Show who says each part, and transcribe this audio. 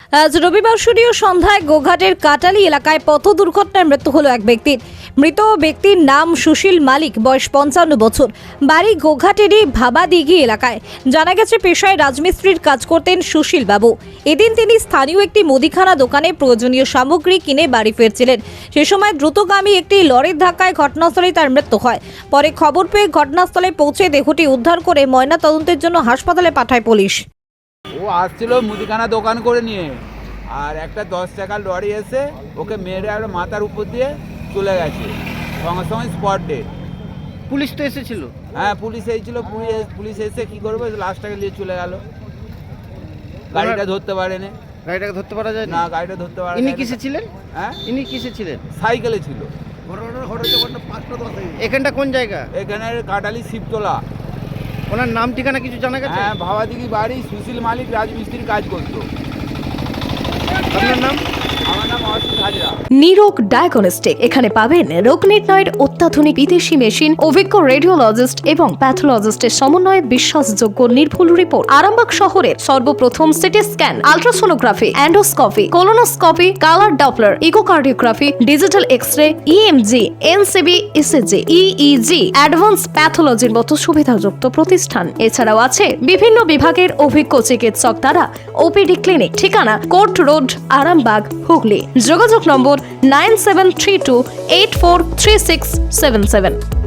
Speaker 1: আজ রবিবার সূর্য সন্ধ্যায় গোঘাটের কাটালি এলাকায় পথ দুর্ঘটনায় মৃত্যু হলো এক ব্যক্তির। মৃত ব্যক্তির নাম সুশীল মালিক, বয়স 55 বছর, বাড়ি গোঘাটেরই ভাবাদিঘি এলাকায়। জানা গেছে পেশায় রাজমিস্ত্রির কাজ করতেন সুশীল বাবু। এদিন তিনি স্থানীয় একটি মুদিখানা দোকানে প্রয়োজনীয় সামগ্রী কিনে বাড়ি ফিরছিলেন। সে সময় দ্রুতগামী একটি লরির ধাক্কায় ঘটনাস্থলেই তার মৃত্যু হয়। পরে খবর পেয়ে ঘটনাস্থলে পৌঁছে দেহটি উদ্ধার করে ময়নাতদন্তের জন্য হাসপাতালে পাঠায় পুলিশ।
Speaker 2: ও আসছিল মুদিখানা দোকান করে নিয়ে, আর একটা 10 টাকার লরি এসে ওকে মেরে আর মাথার উপর দিয়ে চলে গেছে, সঙ্গে সঙ্গে স্পট ডেড।
Speaker 3: পুলিশ তো এসেছিল?
Speaker 2: হ্যাঁ, পুলিশ এসেছিল। পুলিশ এসে কি করবে, লাশটাকে নিয়ে চলে গেল। গাড়িটা ধরতে পারেনি।
Speaker 3: গাড়িটাকে ধরতে পারা যায়
Speaker 2: না, গাড়িটা ধরতে পারে।
Speaker 3: ইনি কিসে ছিলেন?
Speaker 2: হ্যাঁ,
Speaker 3: ইনি কিসে ছিলেন?
Speaker 2: সাইকেলে ছিল।
Speaker 3: এখানটা কোন জায়গা?
Speaker 2: এখানে কাটালি শিবতলা।
Speaker 3: ওনার নাম ঠিকানা কিছু জানা গেছে?
Speaker 2: হ্যাঁ, ভাবাদিঘি বাড়ি, সুশীল মালিক, রাজমিস্ত্রির কাজ করতো।
Speaker 3: আপনার নাম?
Speaker 2: আমার নাম অসিত হাজরা।
Speaker 1: নিরোগ ডায়াগনস্টিক, এখানে পাবেন রোগ নির্ণয়ের অত্যাধুনিক বিদেশি মেশিন, অভিজ্ঞ রেডিওলজিস্ট এবং প্যাথোলজিস্টের সমন্বয়ে বিশ্বাসযোগ্য নির্ভুল রিপোর্ট। আরামবাগ শহরের সর্বপ্রথম CT scan, ultrasonography, endoscopy, colonoscopy, colour Doppler, echocardiography, digital X-ray, EMG, NCV, ECG, EEG, advance প্যাথোলজির মতো সুবিধাযুক্ত প্রতিষ্ঠান। এছাড়াও আছে বিভিন্ন বিভাগের অভিজ্ঞ চিকিৎসক দ্বারা ওপিডি ক্লিনিক। ঠিকানা কোর্ট রোড, আরামবাগ, হুগলি। যোগাযোগ নম্বর 9732843677।